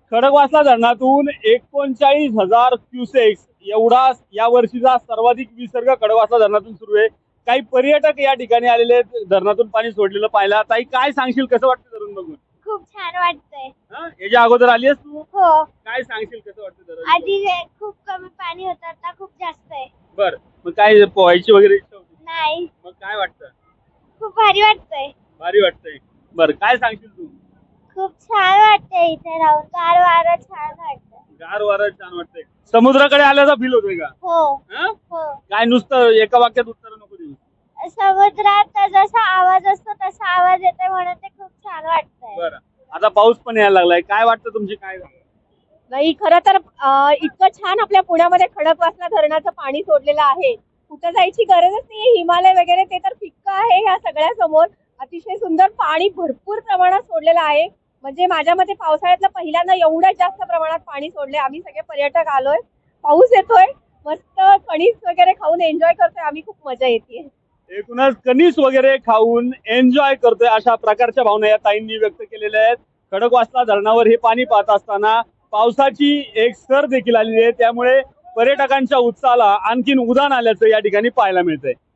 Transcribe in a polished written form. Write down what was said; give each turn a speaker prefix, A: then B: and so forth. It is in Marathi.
A: खडकवासला धरणातून 39,000 क्युसेक्स एवढा या वर्षीचा सर्वाधिक विसर्ग खडकवासला धरणातून सुरू आहे. काही पर्यटक या ठिकाणी आलेले आहेत धरणातून पाणी सोडलेलं पाहायला. ताई, काय सांगशील, कसं वाटतं धरण बघून?
B: खूप छान वाटतंय.
A: याच्या अगोदर आली आहेस तू?
B: हो.
A: काय सांगशील, कसं वाटतं धरण?
B: आधी खूप कमी पाणी होतं, आता खूप जास्त आहे.
A: बर, मग काय पोहायची वगैरे इच्छा होती?
B: नाही,
A: मग काय वाटतं?
B: खूप भारी वाटतंय.
A: भारी वाटतंय. बर, काय सांगशील तू?
B: खूप छान वाटतंय इथे राहून, गार वारं छान वाटतं.
A: गार वारं छान वाटतंय. समुद्राकडे आल्याचा फील होतोय का?
B: हो
A: हं?
B: हो.
A: काय नुसतं एका वाक्यात उत्तर नको देऊ.
B: समुद्रात जसा आवाज असतो तसा आवाज येतोय म्हणून ते खूप छान वाटतंय.
A: बरं, आता पाऊस पण यायला लागलाय. काय वाटतं, तुमची काय?
C: नाही, खरं तर इतकं छान आपल्या पुण्यामध्ये खडकवासला धरणाचं पाणी सोडलेलं आहे. कुठं जायची गरजच नाही. हिमालय वगैरे ते तर फिक्क आहे या सगळ्या समोर. अतिशय सुंदर पाणी भरपूर प्रमाणात सोडलेलं आहे. म्हणजे माझ्या मते पावसाळ्यातलं पहिल्यांदा एवढ्या जास्त प्रमाणात पाणी सोडले. आम्ही सगळे पर्यटक आलोय, पाऊस येतोय, मस्त कणीस वगैरे खाऊन एन्जॉय करतोय आम्ही. खूप मजा येते.
A: एकूणच कणीस वगैरे खाऊन एन्जॉय करतोय, अशा प्रकारच्या भावना या ताईंनी व्यक्त केलेल्या आहेत. खडकवासला धरणावर हे पाणी पाहत असताना पावसाची एक सर देखील आलेली आहे, त्यामुळे पर्यटकांच्या उत्साहाला आणखीन उधाण आल्याचं या ठिकाणी पाहायला मिळतंय.